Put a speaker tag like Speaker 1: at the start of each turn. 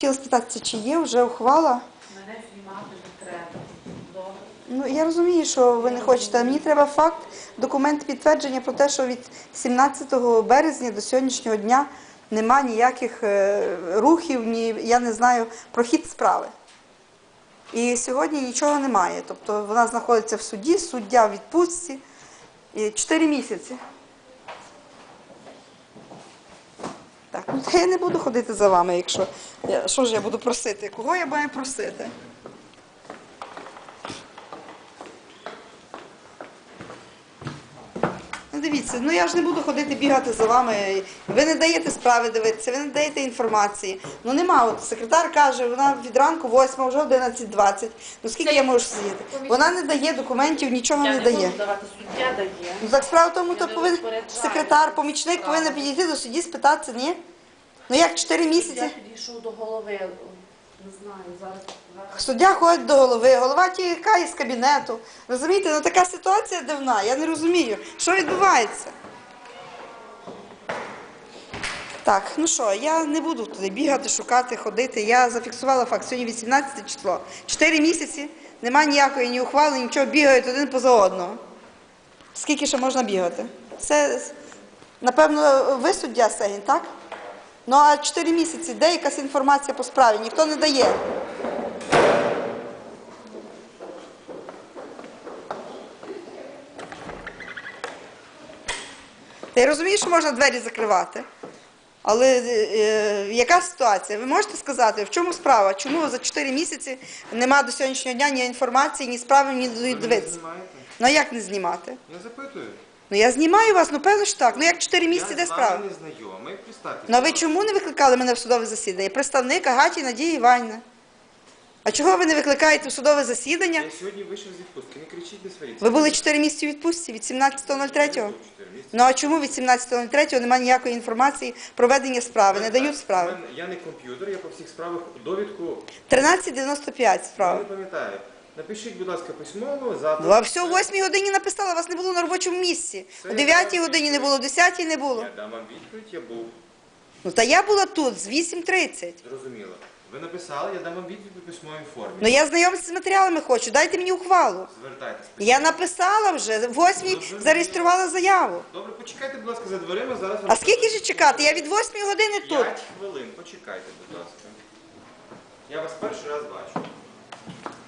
Speaker 1: Хотіла спитатися, чи є вже ухвала?
Speaker 2: Мене знімати не треба. Добре.
Speaker 1: Ну, я розумію, що ви не хочете, а мені треба факт, документ підтвердження про те, що від 17 березня до сьогоднішнього дня нема ніяких рухів, я не знаю, про хід справи. І сьогодні нічого немає. Тобто вона знаходиться в суді, суддя в відпустці. 4 місяці. Так, ну та я не буду ходити за вами, якщо... Що ж я буду просити? Кого я маю просити? Ну дивіться, ну я ж не буду ходити бігати за вами. Ви не даєте справи дивитися, ви не даєте інформації. Ну нема, от секретар каже, вона від ранку 8, вже 11:20. Ну скільки я можу сидіти? Вона не дає документів, нічого не дає.
Speaker 2: Я не можу давати, суддя дає.
Speaker 1: Ну так справа в тому, то повинен
Speaker 2: розпоряджаюся.
Speaker 1: секретар, помічник повинен підійти до судді, спитатися, ні? Ну як 4 місяці?
Speaker 2: Я підійшов до голови, не знаю, зараз...
Speaker 1: Суддя ходить до голови, голова тікає з кабінету. Розумієте, ну така ситуація дивна, я не розумію, що відбувається. Так, ну що, я не буду туди бігати, шукати, ходити. Я зафіксувала факт, сьогодні 18 число. 4 місяці, немає ніякої ні ухвали, нічого, бігають один поза одного. Скільки ще можна бігати? Це, напевно, ви суддя Сегін, так? Ну а 4 місяці, де якась інформація по справі? Ніхто не дає. Та я розумію, що можна двері закривати. Але яка ситуація? Ви можете сказати, в чому справа? Чому за 4 місяці немає до сьогоднішнього дня ні інформації, ні справи, ні дивитися? Ну а як не знімати?
Speaker 3: Я запитую.
Speaker 1: Ну я знімаю вас, ну певно ж так. Ну як 4 місяці, де справа?
Speaker 3: Я з вами не знайомий, представтеся.
Speaker 1: Ну а ви чому не викликали мене в судове засідання? Представник Агаті Надії Іванівни. А чого ви не викликаєте в судове засідання?
Speaker 3: Я сьогодні вийшов з відпустки, не кричіть, не сваріться.
Speaker 1: Ви були 4 місяці у відпустці від 17.03? Ну а чому від 17.03 немає ніякої інформації про ведення справи, не дають справи?
Speaker 3: Я не комп'ютер, я по всіх справах довідку
Speaker 1: 13.95 справа.
Speaker 3: не пам'ятаю. Напишіть, будь ласка, письмово, запит.
Speaker 1: Ну, а все, о 8 годині написала, вас не було на робочому місці. О 9 годині не було, о 10 не було.
Speaker 3: Я дам вам відповідь, я був.
Speaker 1: Ну та я була тут з 8:30.
Speaker 3: Зрозуміло. Ви написали, я дам вам відповідь у письмовій формі.
Speaker 1: Ну я знайомитися з матеріалами хочу, дайте мені ухвалу.
Speaker 3: Звертайтесь.
Speaker 1: Я написала вже, в 8 зареєструвала заяву.
Speaker 3: Добре, почекайте, будь ласка, за дверима, зараз...
Speaker 1: А скільки ж чекати? Я від 8 години тут.
Speaker 3: 5 хвилин, почекайте, будь ласка. Я вас перший раз бачу.